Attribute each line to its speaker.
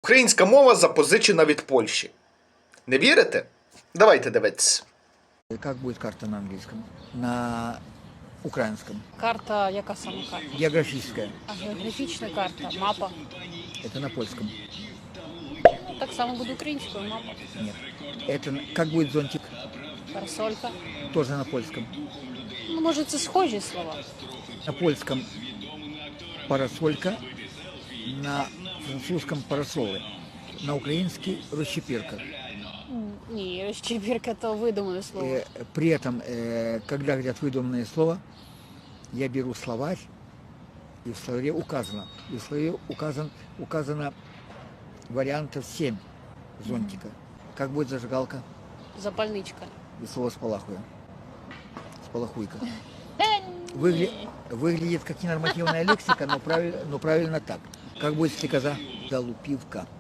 Speaker 1: Українська мова запозичена від Польщі. Не вірите? Давайте дивитися.
Speaker 2: Как будет карта на английском? На украинском.
Speaker 3: Карта, яка саме карта?
Speaker 2: Географическая.
Speaker 3: А географічна карта, мапа.
Speaker 2: Это на польском.
Speaker 3: Так само буде українською мапа.
Speaker 2: Нет. Это как будет зонтик?
Speaker 3: Парасолька.
Speaker 2: Тоже на польском.
Speaker 3: Ну, може, це схожі слова.
Speaker 2: На польском парасолька, на французском парасоли, на украинский расчепирка.
Speaker 3: Ні, розчебірка то видумане слово.
Speaker 2: При этом, когда говорят выдуманное слово, я беру словарь, и в словаре указано. И в словаре указано вариантов 7 зонтика. Как будет зажигалка?
Speaker 3: Запальничка.
Speaker 2: И слово спалахуя. Спалахуйка.
Speaker 3: Ні.
Speaker 2: Выглядит как ненормативная лексика, но правильно так. Как будет стрекоза? Залупивка.